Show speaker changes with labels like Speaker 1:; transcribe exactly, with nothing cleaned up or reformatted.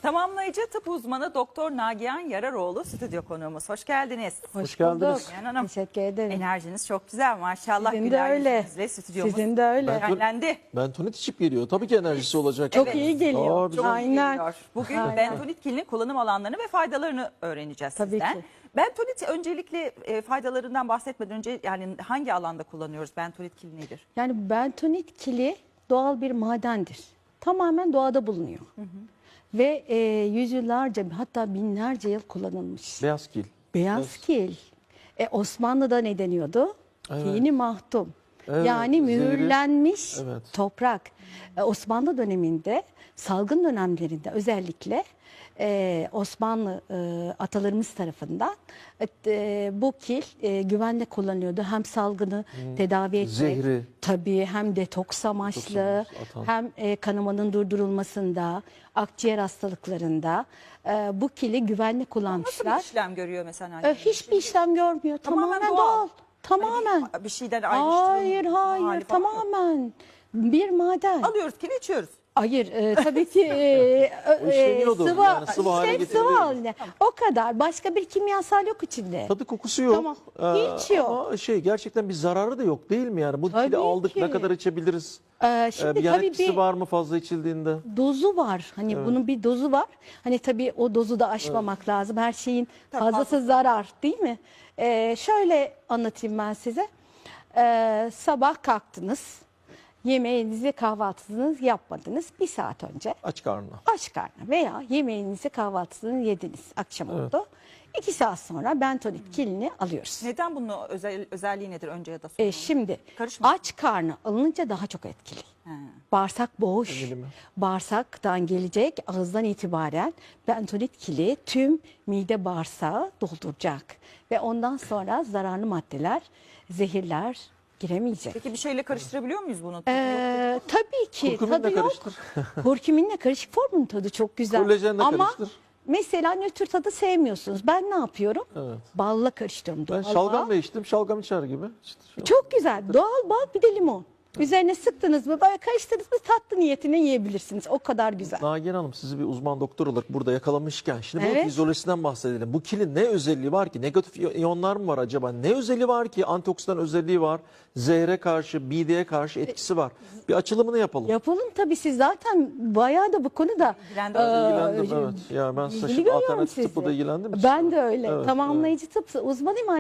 Speaker 1: Tamamlayıcı tıp uzmanı Doktor Nagihan Yararoğlu stüdyo konuğumuz. Hoş geldiniz.
Speaker 2: Hoş,
Speaker 3: Hoş geldiniz.
Speaker 2: bulduk.
Speaker 1: Nagihan Hanım,
Speaker 2: Teşekkür ederim.
Speaker 1: enerjiniz çok güzel maşallah.
Speaker 2: Sizin de
Speaker 1: Güler
Speaker 2: öyle.
Speaker 1: yüzünüzle stüdyomuz
Speaker 2: Sizin de öyle.
Speaker 3: Ben-
Speaker 1: şenlendi.
Speaker 3: Bentonit içip geliyor. Tabii ki enerjisi olacak.
Speaker 2: Çok
Speaker 1: Evet.
Speaker 2: iyi geliyor.
Speaker 3: Aa, güzel.
Speaker 1: Çok iyi
Speaker 2: Aynen.
Speaker 1: geliyor. Bugün
Speaker 2: Aynen.
Speaker 1: bentonit kilinin kullanım alanlarını ve faydalarını öğreneceğiz
Speaker 2: Tabii
Speaker 1: sizden.
Speaker 2: ki.
Speaker 1: Bentonit öncelikle e, faydalarından bahsetmeden önce yani hangi alanda kullanıyoruz? Bentonit kili nedir?
Speaker 2: Yani bentonit kili doğal bir madendir. Tamamen doğada bulunuyor. Ve e, yüzyıllarca hatta binlerce yıl kullanılmış.
Speaker 3: Beyaz kil.
Speaker 2: Beyaz
Speaker 3: Beyaz.
Speaker 2: kil. E, Osmanlı'da ne deniyordu?
Speaker 3: Evet.
Speaker 2: Tini mahtum.
Speaker 3: Evet,
Speaker 2: Yani
Speaker 3: zehri.
Speaker 2: mühürlenmiş
Speaker 3: Evet.
Speaker 2: toprak. E, Osmanlı döneminde, salgın dönemlerinde özellikle e, Osmanlı e, atalarımız tarafından e, bu kil e, güvenle kullanıyordu. Hem salgını tedavi etmek,
Speaker 3: Zehri.
Speaker 2: tabii hem detoks amaçlı,
Speaker 3: amaçlı, atan.
Speaker 2: hem e, kanamanın durdurulmasında, akciğer hastalıklarında e, bu kili güvenle
Speaker 1: Nasıl
Speaker 2: kullanmışlar.
Speaker 1: bir işlem görüyor mesela?
Speaker 2: E, hiçbir işlem görmüyor. Tamamen,
Speaker 1: Tamamen
Speaker 2: doğal.
Speaker 1: doğal.
Speaker 2: Tamamen.
Speaker 1: Hani bir, bir şeyden ayrıştırılmış
Speaker 2: Hayır hayır
Speaker 1: hali falan yok.
Speaker 2: tamamen bir maden.
Speaker 1: Alıyoruz kili içiyoruz.
Speaker 2: Hayır e, tabii ki e,
Speaker 3: O işleniyordur.
Speaker 2: sıvı,
Speaker 3: Yani sıvı hale
Speaker 2: işte
Speaker 3: getiriliyor.
Speaker 2: sıvı haline. O kadar. Başka bir kimyasal yok içinde.
Speaker 3: Tadı kokusu yok.
Speaker 2: Tamam.
Speaker 3: Ee,
Speaker 2: Hiç yok.
Speaker 3: Ama şey gerçekten bir zararı da yok değil mi yani? Bu
Speaker 2: Tabii
Speaker 3: kili aldık
Speaker 2: ki.
Speaker 3: ne kadar içebiliriz?
Speaker 2: Ee,
Speaker 3: Ee,
Speaker 2: şimdi
Speaker 3: bir yan
Speaker 2: tabii
Speaker 3: etkisi
Speaker 2: bir
Speaker 3: var mı fazla içildiğinde?
Speaker 2: dozu var. Hani bunun bir dozu var. Hani tabii o dozu da aşmamak lazım. Her şeyin
Speaker 1: Tabii,
Speaker 2: fazlası
Speaker 1: fazlası.
Speaker 2: zarar değil mi? Ee, şöyle anlatayım ben size. Ee, sabah kalktınız. Yemeğinizi, kahvaltınızı yapmadınız. Bir saat önce
Speaker 3: Aç karnına.
Speaker 2: aç karnına veya yemeğinizi, kahvaltınızı yediniz. Akşam oldu. İki saat sonra bentonit kilini alıyoruz.
Speaker 1: Neden bunun özel, özelliği nedir önce ya da sonra?
Speaker 2: E, şimdi
Speaker 1: Karışma.
Speaker 2: aç karnı alınınca daha çok etkili.
Speaker 1: He.
Speaker 2: Bağırsak boş.
Speaker 3: Eminim.
Speaker 2: Bağırsaktan gelecek ağızdan itibaren bentonit kili tüm mide bağırsağı dolduracak. Ve ondan sonra zararlı maddeler, zehirler giremeyecek.
Speaker 1: Peki bir şeyle karıştırabiliyor muyuz bunu?
Speaker 2: Ee, tabii ki
Speaker 3: Kurkuminle
Speaker 2: tadı yok.
Speaker 3: karıştır.
Speaker 2: Kurkuminle karışık formun tadı çok güzel.
Speaker 3: Kolajenle
Speaker 2: Ama
Speaker 3: karıştır.
Speaker 2: mesela nötr tadı sevmiyorsunuz. Ben ne yapıyorum?
Speaker 3: Evet.
Speaker 2: Balla karıştırıyorum.
Speaker 3: Ben
Speaker 2: Doğal
Speaker 3: şalgam
Speaker 2: bal.
Speaker 3: da içtim. Şalgam içer gibi. İşte şu-
Speaker 2: Çok güzel. Doğal bal bir de limon. Üzerine sıktınız mı, böyle karıştırdınız mı tatlı niyetine yiyebilirsiniz. O kadar güzel.
Speaker 3: Nagihan Hanım sizi bir uzman doktor olarak burada yakalamışken şimdi bu
Speaker 2: Evet.
Speaker 3: fizyolojisinden bahsedelim. Bu kilin ne özelliği var ki? Negatif iyonlar mı var acaba? Ne özelliği var ki? Antioksidan özelliği var. Zehre karşı, mideye karşı etkisi var. Bir açılımını yapalım.
Speaker 2: Yapalım tabii, siz zaten bayağı da bu konuda
Speaker 1: İlgilendim.
Speaker 3: İlgilendim evet. Ya ben
Speaker 2: ilgili
Speaker 3: saçım
Speaker 2: görüyorum
Speaker 3: alternatif
Speaker 2: sizi.
Speaker 3: tıpla da ilgilendim.
Speaker 2: Ben de öyle.
Speaker 3: Evet,
Speaker 2: Tamamlayıcı tıp uzmanıyım.